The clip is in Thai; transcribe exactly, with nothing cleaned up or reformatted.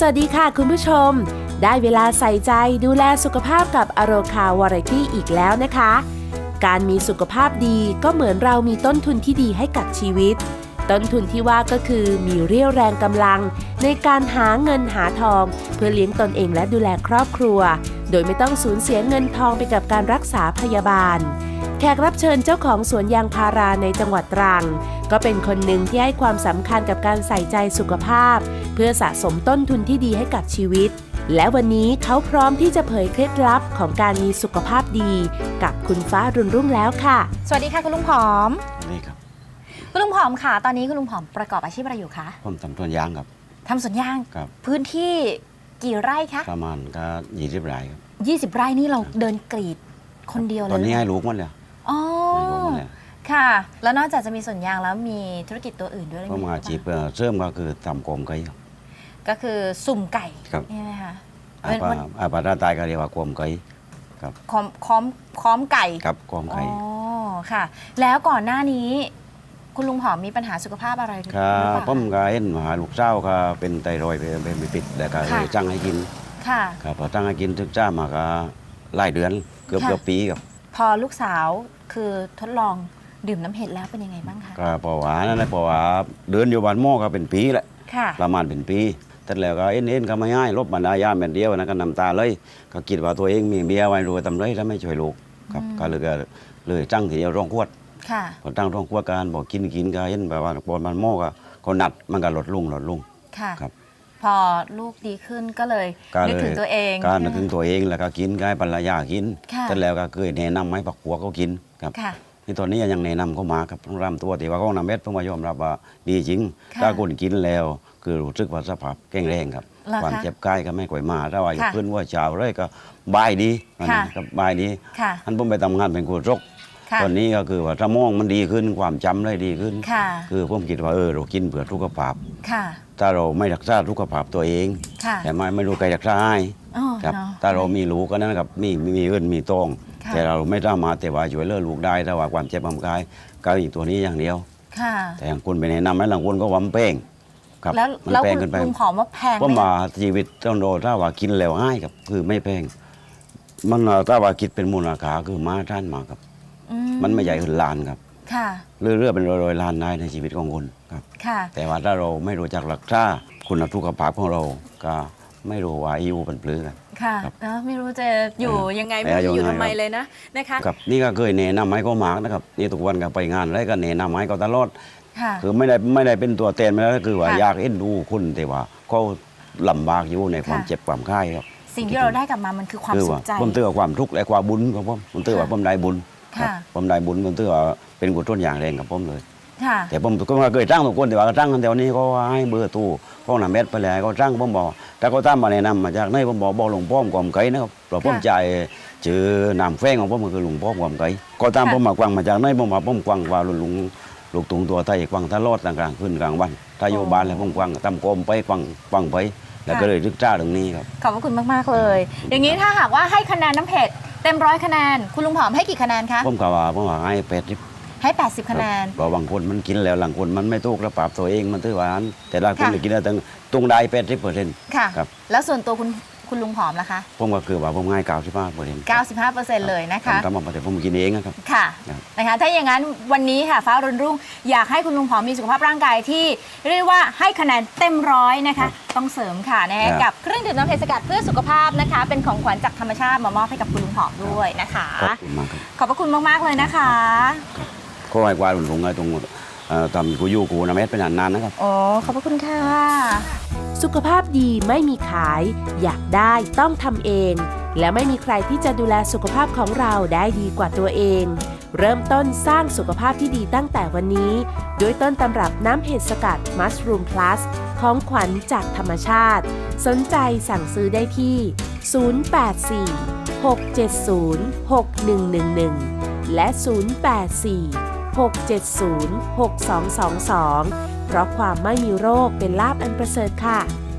สวัสดีค่ะคุณผู้ชมได้เวลาใส่ใจดูแลสุขภาพกับอโรคาวาไรตี้อีกแล้วนะคะการมีสุขภาพดีก็เหมือนเรามีต้นทุนที่ดีให้กับชีวิตต้นทุนที่ว่าก็คือมีเรี่ยวแรงกำลังในการหาเงินหาทองเพื่อเลี้ยงตนเองและดูแลครอบครัวโดยไม่ต้องสูญเสียเงินทองไปกับการรักษาพยาบาลแขกรับเชิญเจ้าของสวนยางพาราในจังหวัดตรังก็เป็นคนหนึ่งที่ให้ความสำคัญกับการใส่ใจสุขภาพเพื่อสะสมต้นทุนที่ดีให้กับชีวิตและวันนี้เขาพร้อมที่จะเผยเคล็ดลับของการมีสุขภาพดีกับคุณฟ้ารุ่นรุ่งแล้วค่ะสวัสดีค่ะคุณลุงผอมสวัสดีครับคุณลุงผอมค่ะตอนนี้คุณลุงผอมประกอบอาชีพอะไรอยู่คะผมทำสวนยางครับทำสวนยางครับพื้นที่กี่ไร่คะประมาณก็ยี่สิบไร่ครับยี่สิบไร่นี่เราเดินกรีดคนเดียวเลยตอนนี้ให้ลูกมันเลยอ๋อค่ะแล้วนอกจากจะมีสวนยางแล้วมีธุรกิจตัวอื่นด้วยไหมผมอาชีพเสริมก็คือทำโคมไก่ก็คือสุ่มไก่ใช่ไหมคะอาปาราตายก็เรียกว่าโคมไก่ครับค้อมค้อมค้อมไก่ครับโคมไก่อ๋อค่ะแล้วก่อนหน้านี้คุณลุงผอมมีปัญหาสุขภาพอะไรหรือเปล่าครับผมก็เห็นมหาลูกเจ้าก็เป็นไตรอยด์เป็นปิดแต่ก็เลยจ้างให้กินค่ะครับพอจ้างให้กินถึงจ้ามาก็หลายเดือนเกือบเกือบปีครับพอลูกสาวคือทดลองดื่มน้ำเห็ดแล้วเป็นยังไงบ้างคะก็เพราะว่านั่นแหละเพราะว่าเดินอยู่บ้านหม้อก็เป็นปีแหละประมาณเป็นปีแต่แล้วก็เอ็นเอ็นก็ไม่ให้ลบบรรดายาแบบเดียวนะก็น้ำตาเลยก็คิดว่าตัวเองมีเบียร์ไว้รวยทำไรแล้วไม่ช่วยลูกครับก็เลยก็เลยจ้างทีเดียวร้องขวดพอตั้งร้องขวดการบอกกินกินก็เห็นแบบว่าบนมันหม้อก็เขานัดมันก็ลดลงลดลงครับพอลูกดีขึ้นก็เลยนึกถึงตัวเองการนึกถึงตัวเองแล้วก็กินก็ให้ภรรยากินแต่แล้วก็เคยแนะนำให้ปักหัวเขากินครับที่ตอนนี้ยังแนะนำเขามาครับต้องรำตัวแต่ว่าเขานำเม็ดเพิ่งมายอมรับว่าดีจริงถ้าคนกินแล้วคือรู้สึกว่าสภาพแข็งแรงครับความเจ็บกายก็ไม่ค่อยมาถ้าว่าอยู่เพื่อนว่าเช้าเลยก็บายดีก็บายดีท่านผมไปทำงานเป็นครูรกตอนนี้ก็คือว่าสมองมันดีขึ้นความจำได้ดีขึ้นคือผมคิดว่าเออเรากินเผื่อสุขภาพถ้าเราไม่รักษาสุขภาพตัวเองแต่ไม่ไม่รู้ใครรักษาให้ครับถ้าเรามีลูกก็นั่นกับมีมีเงินมีตองแต่เราไม่สามารถแต่ว่าช่วยเหลือลูกได้แต่ว่าความเจ็บความกายก็อีกตัวนี้อย่างเดียวแต่อย่างคุณไปแนะนำให้หลังคุณก็วำเป้งครับมันแพงเกินไปลุงผอมว่าแพงเพราะมาชีวิตต้องโดนถ้าว่ากินแล้วง่ายครับคือไม่แพงมันถ้าว่าคิดเป็นมูลค่าคือมาท่านมาครับมันไม่ใหญ่ขึ้นล้านครับเรื่อยๆเป็นร้อยๆล้านได้ในชีวิตของคุณครับแต่ว่าถ้าเราไม่รู้จักรักษาคุณสุขภาพของเราก็ไม่รู้ว่าอายุเป็นปลื้กันค่ะไม่รู้จะอยู่ยังไงไม่รู้จะอยู่ทำไมเลยนะนะคะครับนี่ก็เคยแนะนำให้เขามากนะครับนี่ทุกวันก็ไปงานแล้วก็แนะนำให้เขาตลอดคือไม่ได้ไม่ได้เป็นตัวเต้นมาแล้วคือว่าอยากเอ็นดูคุณแต่ว่าเขาลำบากอยู่ในความเจ็บความไข้ครับสิ่งที่เราได้กลับมามันคือความสุขใจผมเตือนความทุกข์และความบุญของผมผมเตือนว่าผมได้บุญผมได้บุญผมเตือนว่าเป็นกุศลอย่างแรงกับผมเลยแต่ผมก็เคยจ้างทุกคนแต่ว่าจ้างกันแถวนี้ก็ให้เบอร์ตู้ห้องน้ำเม็ดไปเลยเขาจ้างผมบอกแต่เขาตั้งมาแนะนำมาจากไหนผมบอกบอกหลวงพ่อความไกลนะครับเราผมใจชื่อนามแฝงของผมคือหลวงพ่อความไกลก็ตามผมมากวางมาจากไหนผมบอกผมกวางว่าลุงลูกตุงตัวไทยกวางทะลอดต่างๆขึ้นกลางวันถ้าโยบานแล้วผมกวางทำโกมไปกวางกวางไปแล้วก็เลยรึกจ้าตรงนี้ครับขอบคุณมากๆเลยอย่างนี้ถ้าหากว่าให้คะแนนน้ำเผ็ดเต็มร้อยคะแนนคุณลุงผอมให้กี่คะแนนคะผมกว่าผมว่าให้แปดสิบให้แปดสิบคะแนนเพราะบางคนมันกินแล้วหลังคนมันไม่ถูกแล้วปรับตัวเองมันถือว่าอันแต่ละคนกินแล้วตั้งตรงได้แปดสิบเปอร์เซ็นต์ค่ะแล้วส่วนตัวคุณคุณลุงผอมล่ะคะผมก็คือว่าผมให้เก้าสิบห้าเปอร์เซ็นต์เก้าสิบห้าเปอร์เซ็นต์เลยนะคะทำมาแต่ผมกินเองนะครับค่ะนะคะถ้าอย่างนั้นวันนี้ค่ะฟ้ารุ่นรุ่งอยากให้คุณลุงผอมมีสุขภาพร่างกายที่เรียกว่าให้คะแนนเต็มร้อยนะคะต้องเสริมค่ะนะกับเครื่องดื่มน้ำเห็ดสกัดเพื่อสุขภาพนะคะเป็นของขวัญจากธรรมชาติมามอบให้กับคุณลุงผอมด้วยนะคะขอบพระคุณมากๆเลยนะคะก็ให้กวาดลุงไงตรงทำกูยู่กูน้ำเม็ดเป็นนานๆนะครับอ๋อขอบพระคุณค่ะสุขภาพดีไม่มีขายอยากได้ต้องทำเองและไม่มีใครที่จะดูแลสุขภาพของเราได้ดีกว่าตัวเองเริ่มต้นสร้างสุขภาพที่ดีตั้งแต่วันนี้ด้วยต้นตำรับน้ำเห็ดสกัด Mushroom Plus ของขวัญจากธรรมชาติสนใจสั่งซื้อได้ที่ศูนย์ แปด สี่ หก เจ็ด ศูนย์ หก หนึ่ง หนึ่ง หนึ่งและศูนย์ แปด สี่ หก เจ็ด ศูนย์ หก สอง สอง สองเพราะความไม่มีโรคเป็นลาภอันประเสริฐค่ะ